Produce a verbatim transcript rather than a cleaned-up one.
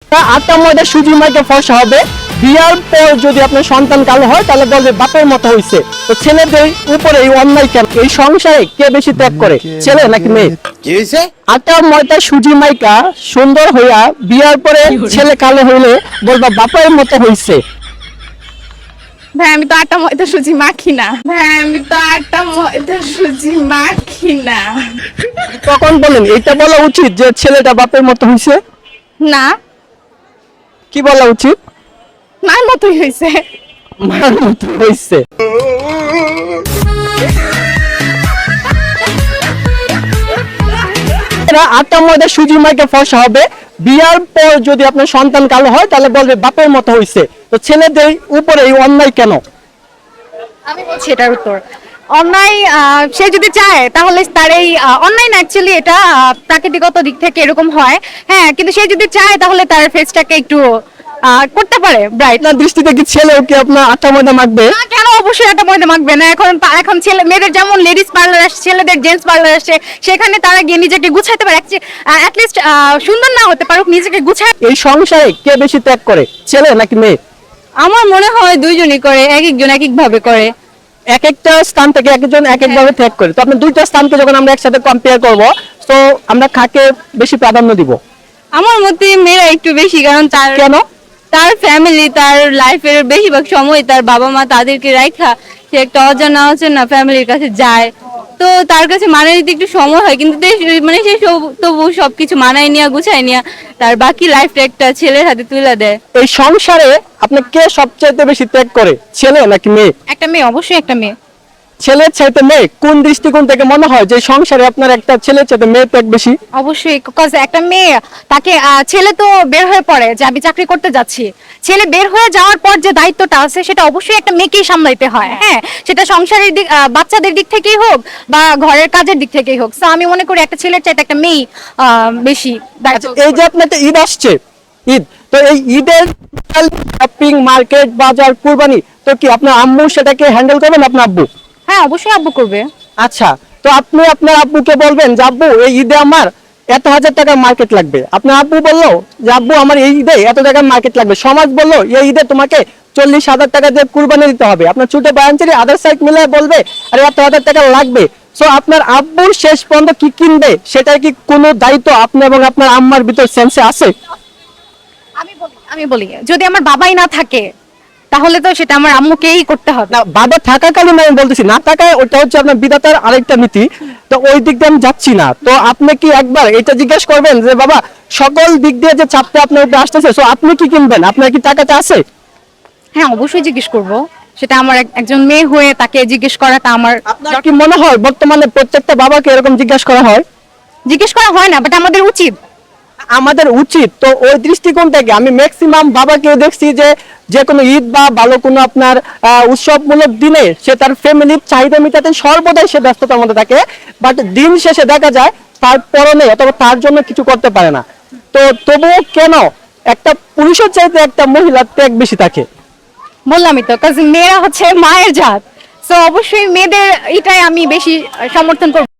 আটটা ময়দা সুজি মাইকে ফর্সা হবে, বিয়ার পর যদি আপনার সন্তান কালো হয় তাহলে বলবে বাপের মতো হয়েছে। তো ছেলেদের উপরে এই অন্যায় কেন? এই সংসারে কে বেশি ত্যাগ করে, ছেলে নাকি মেয়ে? কি হয়েছে? আটা ময়দা সুজি মাইকা সুন্দর হইয়া বিয়ার পরে ছেলে কালো হইলে বলবা বাপের মতো হয়েছে। ভাই আমি তো আটা ময়দা সুজি মাখি না। ভাই আমি তো আটা ময়দা সুজি মাখি না। তখন বলেন এটা বলা উচিত যে ছেলেটা বাপের মতো হয়েছে? না, কি বলা উচিত? মার মতোই হয়েছে। মার মতো হয়েছে। আটটা ময়দা সুজি মাইকে ফর্সা হবে, বিয়ার পর যদি আপনার সন্তান কালো হয় তাহলে বলবে বাপের মতো হয়েছে। তো ছেলেদের উপরে এই অন্যায় কেন? আমি বলছি এটার উত্তর। অন্যায় আহ, সে যদি চায় তাহলে তার এই আহ, অন্যায় না, অ্যাকচুয়ালি এটা আহ, প্রাকৃতিগত দিক থেকে এরকম হয়। হ্যাঁ, কিন্তু সে যদি চায় তাহলে তার ফেসটাকে একটু আহ, করতে পারে ব্রাইট। আপনার দৃষ্টিতে কি ছেলেও কি আপনার আটটা ময়দা মাখবে? না, কেন? অবশ্যই একটা ময়দা মাখবে না। এখন পা- এখন ছেলে মেয়েদের যেমন লেডিস পার্লার আসছে, ছেলেদের জেন্টস পার্লার আসছে, সেখানে তারা গিয়ে নিজেকে গুছাইতে পারে। অ্যাটলিস্ট সুন্দর না হতে পারুক, নিজেকে গুছায়। এই সংসারে কে বেশি ত্যাগ করে, ছেলে নাকি মেয়ে? আমার মনে হয় দুইজনই করে, এক একজন এক এক ভাবে করে। এক একটা স্থান থেকে একজন এক এক ভাবে ত্যাগ করে। তো আপনি দুইটা স্থানকে যখন আমরা একসাথে কম্পেয়ার করব, তো আমরা কাকে বেশি প্রাধান্য দিব? আমার মতে মেয়েরা একটু বেশি, কারণ তার কেন? তার ফ্যামিলি, তার লাইফের বেশিরভাগ সময় তার বাবা মা তাদেরকে রাখা, সে একটা অজানা অচেনা ফ্যামিলির কাছে যায়। তো তার কাছে মানায় নিতে একটু সময় হয়, কিন্তু তে- মানে সে সব- তবু সবকিছু মানায় নিয়ে গুছায় নিয়ে তার বাকি লাইফটা একটা ছেলের হাতে তুলে দেয়। এই সংসারে আপনি কে সবচেয়ে বেশি ত্যাগ করে, ছেলে নাকি মেয়ে? একটা মেয়ে, অবশ্যই একটা মেয়ে। ছেলের চাইতে মেয়ে? কোন দৃষ্টিকোণ থেকে মনে হয় যে সংসারে আপনার একটা ছেলের চাইতে মেয়ে ত্যাগ বেশি? অবশ্যই, কজ একটা মেয়ে তাকে আহ, ছেলে তো বের হয়ে পড়ে যে আমি চাকরি করতে যাচ্ছি, ছেলে বের হয়ে যাওয়ার পর যে দায়িত্বটা আছে সেটা অবশ্যই একটা মেয়েকেই সামলাইতে হয়। হ্যাঁ, সেটা সংসারের দিক, আহ, বাচ্চাদের দিক থেকেই হোক বা ঘরের কাজের দিক থেকেই হোক। তো আমি মনে করি একটা ছেলের চাইতে একটা মেয়ে বেশি দায়িত্ব। আচ্ছা, এই যে আপনার একটা ঈদ আসছে, ঈদ, তো এই ঈদের শপিং, মার্কেট, বাজার, কুরবানি, তো কি আপনার আম্মু সেটাকে হ্যান্ডেল করবেন আপনার আব্বু? হ্যাঁ, অবশ্যই আব্বু করবে। আচ্ছা, তো আপনি আপনার আব্বুকে বলবেন যে আব্বু এই ঈদে আমার এত হাজার টাকার মার্কেট লাগবে। আপনার আব্বু বললো যে আব্বু আমার এই ঈদে এত টাকার মার্কেট লাগবে। সমাজ বললো এই ঈদে তোমাকে চল্লিশ হাজার টাকা দিয়ে কুরবানি দিতে হবে। আপনার ছোট বায়ানচারি আদার সাইড মিলে বলবে আরে এত হাজার টাকা লাগবে। সো আপনার আব্বুর শেষ পর্যন্ত কি কিনবে সেটার কি কোনো দায়িত্ব আপনি এবং আপনার আম্মার ভিতর সেন্সে আছে? আমি বলি আমি বলি যদি আমার বাবাই না থাকে তাহলে তো সেটা আমার আম্মুকেই করতে হবে। না, বাবা থাকাকালীন আমি বলতেছি, না থাকায় ওটা হচ্ছে আপনার বিধাতার আরেকটা নীতি। তো ওই দিক দিয়ে আমি যাচ্ছি না। তো আপনি কি একবার এটা জিজ্ঞেস করবেন যে বাবা সকল দিক দিয়ে যে চাপটা আপনার উপরে আসতেছে, সো আপনি কি কিনবেন, আপনার কি টাকাটা আছে? হ্যাঁ, অবশ্যই জিজ্ঞেস করব। সেটা আমার এক- একজন মেয়ে হয়ে তাকে জিজ্ঞেস করাটা আমার আপনার কি মনে হয় বর্তমানে প্রত্যেকটা বাবাকে এরকম জিজ্ঞাসা করা হয়? জিজ্ঞেস করা হয় না, বাট আমাদের উচিত। আমাদের উচিত। তো ওই দৃষ্টিকোণ থেকে আমি ম্যাক্সিমাম বাবাকে দেখছি যে যে কোনো ঈদ বা ভালো কোনো আপনার আহ, উৎসবমূলক দিনে সে তার ফ্যামিলির চাহিদা মেটাতে সর্বদাই সে ব্যস্ততার মধ্যে থাকে, বাট দিন শেষে দেখা যায় তার পরনে অথবা তার জন্য কিছু করতে পারে না। তো তবুও কেন একটা পুরুষের চাইতে একটা মহিলার ত্যাগ বেশি থাকে? বললামই তো, কারণ মেয়েরা হচ্ছে মায়ের জাত। সো অবশ্যই মেয়েদের এটাই আমি বেশি সমর্থন করব।